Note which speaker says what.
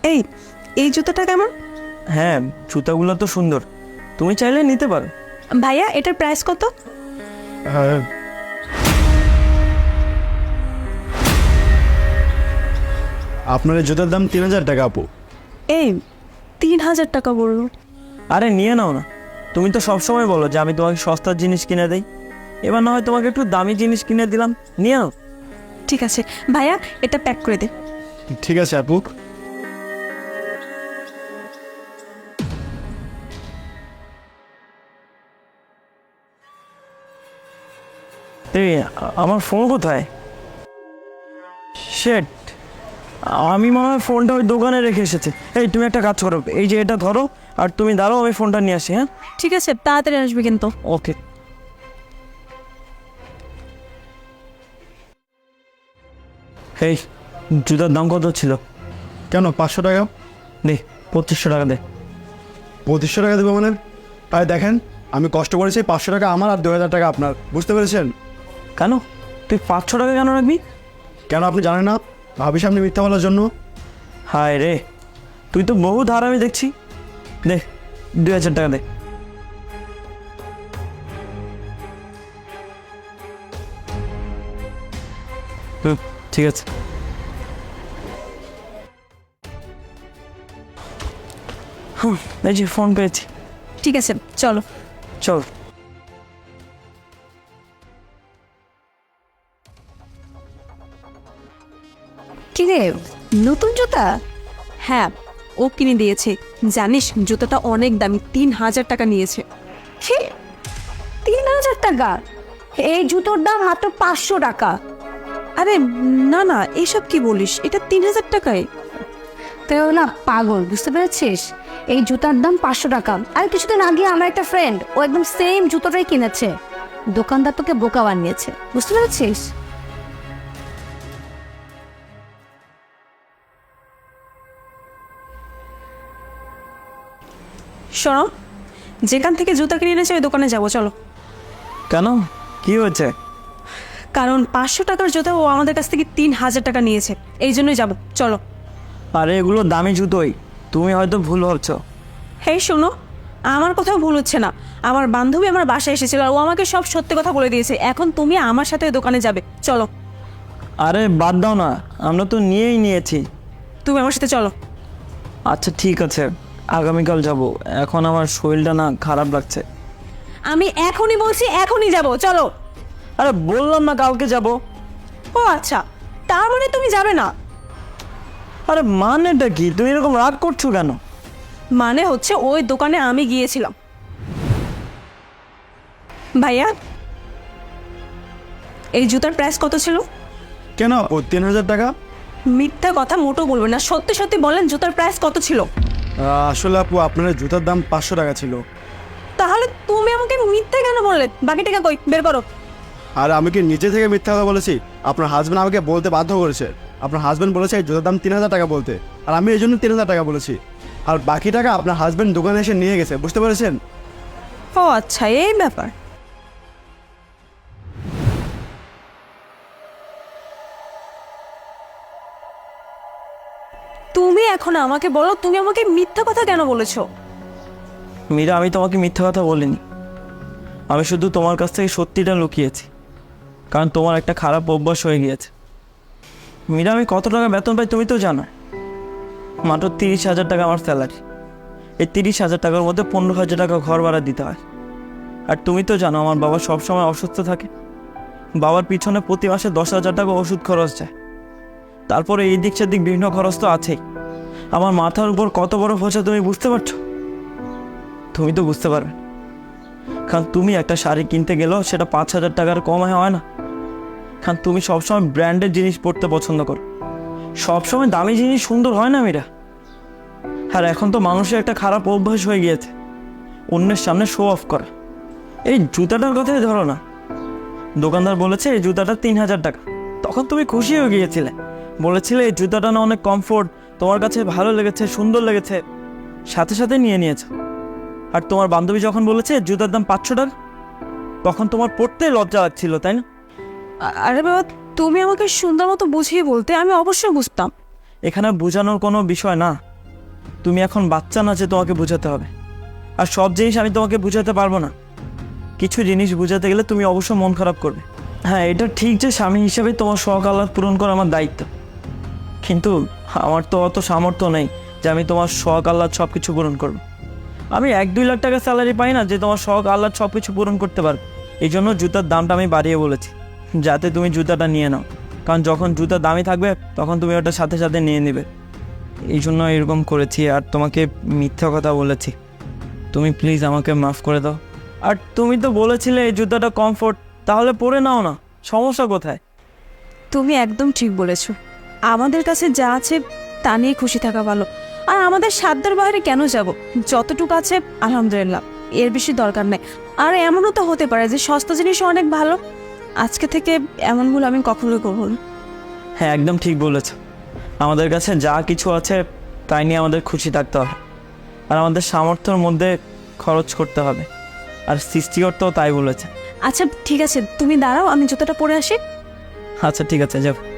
Speaker 1: এই এই জুতোটা কেমন?
Speaker 2: হ্যাঁ, জুতাগুলো তো সুন্দর, তুমি চাইলে নিতে পারো।
Speaker 1: ভাইয়া এটার প্রাইস কত?
Speaker 3: আপনার এই জুতার দাম 3000 টাকা আপু।
Speaker 1: এই 3000 টাকা বললো।
Speaker 2: আরে নিয়ে নাও না, তুমি তো সবসময় বলো যে আমি তোমাকে সস্তার জিনিস কিনে দেই, এবার না হয় তোমাকে একটু দামি জিনিস কিনে দিলাম, নিয়ে নাও।
Speaker 1: ঠিক আছে ভাইয়া, এটা প্যাক করে দে।
Speaker 3: ঠিক আছে আপু।
Speaker 2: এই আমার ফোন কোথায়? শেট, আমি মনে হয় ফোনটা ওই দোকানে রেখে এসেছে। এই তুমি একটা কাজ করো, এই যে এটা ধরো আর তুমি দাঁড়াও, আমি ফোনটা নিয়ে আসি। হ্যাঁ
Speaker 1: ঠিক আছে, তাড়াতাড়ি আসবে কিন্তু।
Speaker 2: ওকে। এই জুতার দাম কত ছিল?
Speaker 3: কেন 500 টাকা?
Speaker 2: দে 2500 টাকা দে।
Speaker 3: 2500 টাকা দেবো মানে? তাই দেখেন, আমি কষ্ট করেছি, 500 টাকা আমার আর 2000 টাকা আপনার, বুঝতে পেরেছেন?
Speaker 2: কেন তুই 500 টাকা কেন রাখবি?
Speaker 3: কেন আপনি জানেন না ভাবি সামনে মিথ্যা বলার জন্য?
Speaker 2: হায় রে, তুই তো বহু ধার আমি দেখছি। দে 2000 টাকা দে। হুম, ঠিক আছে। এই যে ফোন পেয়েছি।
Speaker 1: ঠিক আছে চলো।
Speaker 2: চল।
Speaker 1: কি রে, নতুন জুতা? হ্যাঁ, ও কিনে দিয়েছে। জানিস জুতাটা অনেক দামি, 3000 টাকা নিয়েছে।
Speaker 4: ছি, 3000 টাকা? এই জুতোর দাম মাত্র 500 টাকা।
Speaker 1: আরে না না, এইসব কি বলিস, এটা 3000 টাকায়।
Speaker 4: তেও না পাগল, বুঝতে পেরেছিস? এই জুতার দাম 500 টাকা। আর কিছুদিন আগে আমার একটা ফ্রেন্ড, ও একদম সেম জুতোটাই কিনেছে। দোকানদার তোকে বোকা বানিয়েছে, বুঝতে পেরেছিস?
Speaker 1: শোনো, যেখান থেকে জুতা কিনে এনেছে ওই দোকানে যাবো, চলো।
Speaker 2: কেন, কি হয়েছে?
Speaker 1: কারণ 500 টাকার জুতা ও আমাদের কাছ থেকে 3000 টাকা নিয়েছে, এই জন্যই যাবো, চলো।
Speaker 2: আরে এগুলো দামি জুতোই, তুমি হয়তো ভুল ভাবছো।
Speaker 1: হেই শোনো, আমার কোথাও ভুল হচ্ছে না। আমার বান্ধবী আমার বাসায় এসেছিল আর ও আমাকে সব সত্যি কথা বলে দিয়েছে। এখন তুমি আমার সাথে ওই দোকানে যাবে, চলো।
Speaker 2: আরে বাদ দাও না, আমরা তো নিয়েই নিয়েছি।
Speaker 1: তুমি আমার সাথে চলো।
Speaker 2: আচ্ছা ঠিক আছে, আগামীকাল যাব, এখন আমার শরীরটা না খারাপ লাগছে।
Speaker 1: আমি এখনই বলছি, এখনই যাব, চলো।
Speaker 2: আরে বললাম না কালকে যাব।
Speaker 1: ও আচ্ছা, তার মানে তুমি যাবে না?
Speaker 2: আরে মানেটা কি, তুমি এরকম রাগ করছো কেন?
Speaker 1: মানে হচ্ছে ওই দোকানে আমি গিয়েছিলাম। ভাইয়া, এই জুতার প্রাইস কত ছিল?
Speaker 3: কেন আপু 3000 টাকা?
Speaker 1: মিথ্যা কথা মোটো বলবেন না, সত্যি সত্যি বলেন জুতার প্রাইস কত ছিল?
Speaker 3: আসলে আপু আপনার জুতার দাম 500 টাকা ছিল।
Speaker 1: তাহলে তুমি আমাকে মিথ্যা কেন বললে? বাকি টাকা কই, বের করো।
Speaker 3: আর আমি কি নিজে থেকে মিথ্যা কথা বলেছি? আপনার হাজব্যান্ড আমাকে বলতে বাধ্য করেছে। আপনার হাজব্যান্ড বলেছে এই জুতার দাম 3000 টাকা বলতে, আর আমি এই জন্য 3000 টাকা বলেছি। আর বাকি টাকা আপনার হাজব্যান্ড দোকানে এসে নিয়ে গেছে, বুঝতে পেরেছেন?
Speaker 1: ও আচ্ছা, এই ব্যাপার। তুমি এখন আমাকে বলো, তুমি আমাকে মিথ্যা কথা কেন বলেছো?
Speaker 2: মীরা, আমি তোমাকে মিথ্যা কথা বলিনি, আমি শুধু তোমার কাছ থেকে সত্যিটা লুকিয়েছি, কারণ তোমার একটা খারাপ অভ্যাস হয়ে গিয়েছে। মীরা, আমি কত টাকা বেতন পাই তুমি তো জানো, মাত্র 30,000 টাকা আমার স্যালারি। এই 30,000 টাকার মধ্যে 15,000 টাকা ঘর ভাড়া দিতে হয়। আর তুমি তো জানো আমার বাবা সবসময় অসুস্থ থাকে, বাবার পিছনে প্রতি মাসে 10,000 টাকা ওষুধ খরচ যায়। তারপরে এই দিক সেদিক বিভিন্ন খরচ তো আছেই। আমার মাথার উপর কত বড় বোঝা তুমি বুঝতে পারছো? তুমি তো বুঝতে পারবে, কারণ তুমি একটা শাড়ি কিনতে গেলেও সেটা 5,000 টাকার কমে হয় না। কারণ তুমি সবসময় ব্র্যান্ডের জিনিস পরতে পছন্দ করো, সবসময় দামি জিনিস সুন্দর হয় না মীরা। আর এখন তো মানুষের একটা খারাপ অভ্যাস হয়ে গিয়েছে অন্যের সামনে শো অফ করা। এই জুতাটার কথাই ধরো না, দোকানদার বলেছে এই জুতাটা 3000 টাকা, তখন তুমি খুশি হয়ে গিয়েছিলে, বলেছিলে এই জুতাটা না অনেক কমফোর্ট, তোমার কাছে ভালো লেগেছে, সুন্দর লেগেছে, সাথে সাথে নিয়ে নিয়েছো। আর তোমার বান্ধবী যখন বলেছে জুতার দাম 500 টাকা, তখন তোমার পড়তে লজ্জা লাগছিল, তাই না?
Speaker 1: আরে বাবা, তুমি আমাকে সুন্দর মতো বুঝিয়ে বলতে, আমি অবশ্যই বুঝতাম।
Speaker 2: এখানে বোঝানোর কোনো বিষয় না, তুমি এখন বাচ্চা না যে তোমাকে বোঝাতে হবে। আর সব জিনিস আমি তোমাকে বোঝাতে পারবো না। কিছু জিনিস বোঝাতে গেলে তুমি অবশ্যই মন খারাপ করবে। হ্যাঁ, এটা ঠিক যে স্বামী হিসেবে তোমার শখ আহ্লাদ পূরণ করা আমার দায়িত্ব, কিন্তু আমার তো অত সামর্থ্য নেই যে আমি তোমার শখ আহ্লাদ সব কিছু পূরণ করবো। আমি 1-2 লাখ টাকা স্যালারি পাই না যে তোমার শখ আহ্লাদ সব কিছু পূরণ করতে পারবে। এই জন্য জুতার দামটা আমি বাড়িয়ে বলেছি, যাতে তুমি জুতাটা নিয়ে নাও। কারণ যখন জুতা দামি থাকবে তখন তুমি ওটা সাথে সাথে নিয়ে নেবে। এই জন্য এরকম করেছি আর তোমাকে মিথ্যা কথা বলেছি। তুমি প্লিজ আমাকে মাফ করে দাও। আর তুমি তো বলেছিলে এই জুতাটা কমফোর্ট, তাহলে পরে নাও না, সমস্যা কোথায়?
Speaker 1: তুমি একদম ঠিক বলেছো। আমাদের কাছে যা আছে তা নিয়ে খুশি থাকা ভালো। আর আমাদের সাধ্যের বাইরে কেন যাব? যতটুকু আছে আলহামদুলিল্লাহ, এর বেশি দরকার নেই। আর এমনও তো হতে পারে যে সস্তা জিনিস অনেক ভালো। আজকে থেকে এমন ভুল আমি কখনোই করবো না।
Speaker 2: হ্যাঁ, একদম ঠিক বলেছ। আমাদের কাছে যা কিছু আছে তাই নিয়ে আমাদের খুশি থাকতে হবে, আর আমাদের সামর্থ্যের মধ্যে খরচ করতে হবে। আর সৃষ্টিকর্তাও তাই বলেছে।
Speaker 1: আচ্ছা ঠিক আছে, তুমি দাঁড়াও, আমি জুতোটা পরে আসি।
Speaker 2: আচ্ছা ঠিক আছে, যাও।